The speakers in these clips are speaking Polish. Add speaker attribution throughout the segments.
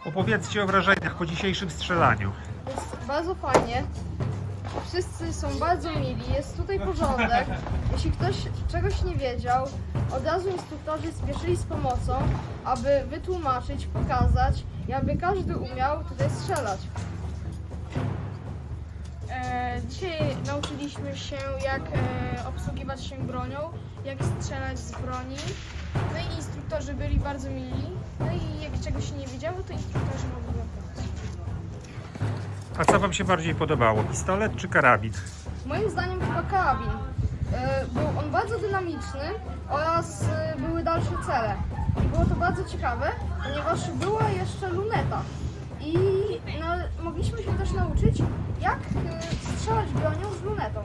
Speaker 1: Opowiedzcie o wrażeniach po dzisiejszym strzelaniu.
Speaker 2: Jest bardzo fajnie. Wszyscy są bardzo mili, jest tutaj porządek. Jeśli ktoś czegoś nie wiedział, od razu instruktorzy spieszyli z pomocą, aby wytłumaczyć, pokazać i aby każdy umiał tutaj strzelać.
Speaker 3: Dzisiaj nauczyliśmy się, jak obsługiwać się bronią, jak strzelać z broni. No i instruktorzy byli bardzo mili. No i jak czegoś się nie wiedziało, to instruktorzy mogli nam pomóc.
Speaker 1: A co Wam się bardziej podobało? Pistolet czy karabin?
Speaker 2: Moim zdaniem chyba karabin. Był on bardzo dynamiczny oraz były dalsze cele. I było to bardzo ciekawe, ponieważ była jeszcze luneta. I mogliśmy się też nauczyć, jak strzelać bronią z lunetą.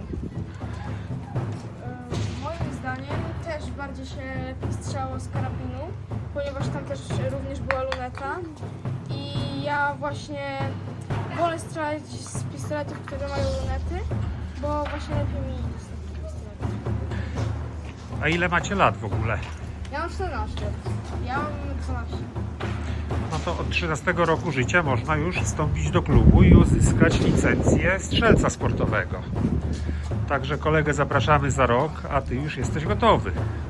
Speaker 3: Moim zdaniem też bardziej się lepiej strzelało z karabinu, ponieważ tam też również była luneta. I ja właśnie wolę strzelać z pistoletów, które mają lunety, bo właśnie lepiej mi idzie z takich pistoletów.
Speaker 1: A ile macie lat w ogóle?
Speaker 2: Ja mam 14.
Speaker 3: Ja mam 12.
Speaker 1: No to od 13 roku życia można już wstąpić do klubu i uzyskać licencję strzelca sportowego. Także kolegę zapraszamy za rok, a Ty już jesteś gotowy.